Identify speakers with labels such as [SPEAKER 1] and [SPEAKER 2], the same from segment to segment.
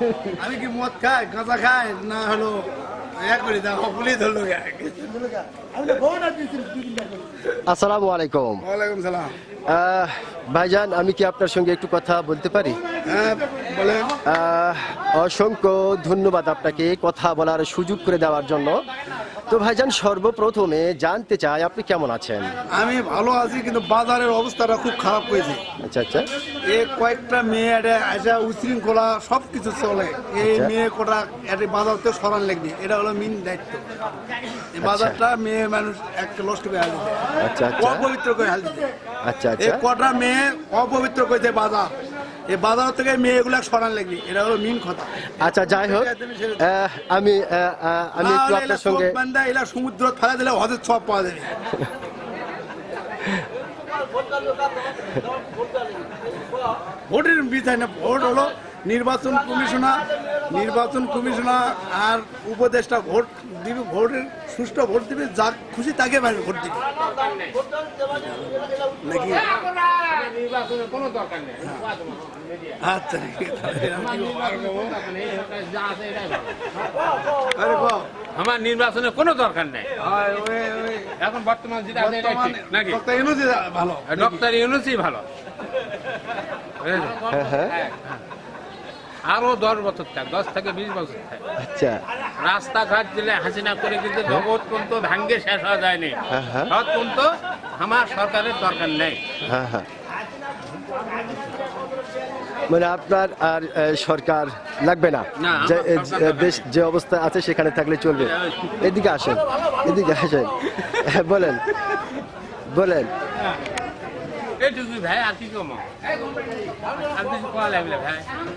[SPEAKER 1] আমি কি মদ খাই গাঁজা খাই না হলো করে দাও পুলিশ ধরলো।
[SPEAKER 2] আসসালামু আলাইকুম।
[SPEAKER 1] ওয়ালাইকুম সালাম।
[SPEAKER 2] ভাইজান, আমি কি আপনার সঙ্গে একটু কথা বলতে পারি?
[SPEAKER 1] হ্যাঁ বলেন।
[SPEAKER 2] অসংখ্য ধন্যবাদ আপনাকে কথা বলার সুযোগ করে দেওয়ার জন্য। তো ভাইজান, সর্বপ্রথমে জানতে চাই আপনি কেমন আছেন?
[SPEAKER 1] আমি ভালো আছি, কিন্তু বাজারের অবস্থাটা খুব খারাপ হয়েছে।
[SPEAKER 2] আচ্ছা আচ্ছা।
[SPEAKER 1] কয়েকটা মেয়ে এটা উশৃঙ্খলা সব কিছু চলে। এই মেয়ে কোটা এটা বাজারতে সরান লাগবে, এটা হলো মেন দায়িত্ব। এই বাজারটা মেয়ে মানুষ একটা নষ্ট করে হাল দিতে,
[SPEAKER 2] আচ্ছা আচ্ছা,
[SPEAKER 1] অপবিত্র করে হাল দিতে।
[SPEAKER 2] আচ্ছা
[SPEAKER 1] এই
[SPEAKER 2] আচ্ছা।
[SPEAKER 1] কটা মেয়ে অপবিত্র করেছে বাজার, এই বাজার থেকে মেয়েগুলা সরান লাগবে, এটা হলো মেন কথা।
[SPEAKER 2] আচ্ছা, যাই হোক, আমি একটু আপনার সঙ্গে
[SPEAKER 1] এলা সমুদ্র ফেলা দিলে হজের সব পাওয়া যাবে। ভোটের বিষয় না, ভোট হলো নির্বাচন কমিশনার আর উপদেষ্টা ভোট দিবে, ভোটের সুষ্ঠু ভোট দিবে, যা খুশি তাকে ভোট দিবে নাকি। আচ্ছা
[SPEAKER 3] আমার নির্বাচনের কোনো দরকার নেই এখন বর্তমান যেটা নাকি
[SPEAKER 1] ভালো,
[SPEAKER 3] ডক্টর ইউনূসই ভালো। আরো 10 বছর থাক, 10 থেকে 20 বছর থাক।
[SPEAKER 2] আচ্ছা,
[SPEAKER 3] রাস্তাঘাট দিলে হাসিনা করে কিন্তু জগৎ পর্যন্ত ভাঙ্গে শেষ হওয়া যায়নি। সব পর্যন্ত আমার সরকারের দরকার নেই।
[SPEAKER 2] হ্যাঁ হ্যাঁ, মানে আপনার আর সরকার লাগবে না, দেশ যে অবস্থা আছে সেখানে থাকলে চলবে। এদিকে আসেন, এদিকে আসেন, বলেন বলেন।
[SPEAKER 3] এইটুকু ভাই, আর কি কম আর কিছু করা লাগবে ভাই।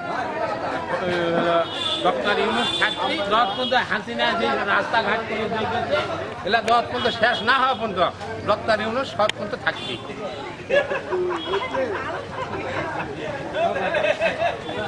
[SPEAKER 3] ডক্টর ইউনূস থাকতে 10 পর্যন্ত হাসিনা যে রাস্তাঘাট করে দিয়েছে, এলা 10 পর্যন্ত শেষ না হওয়া পর্যন্ত ডক্টর ইউনূস সব পর্যন্ত থাকবে।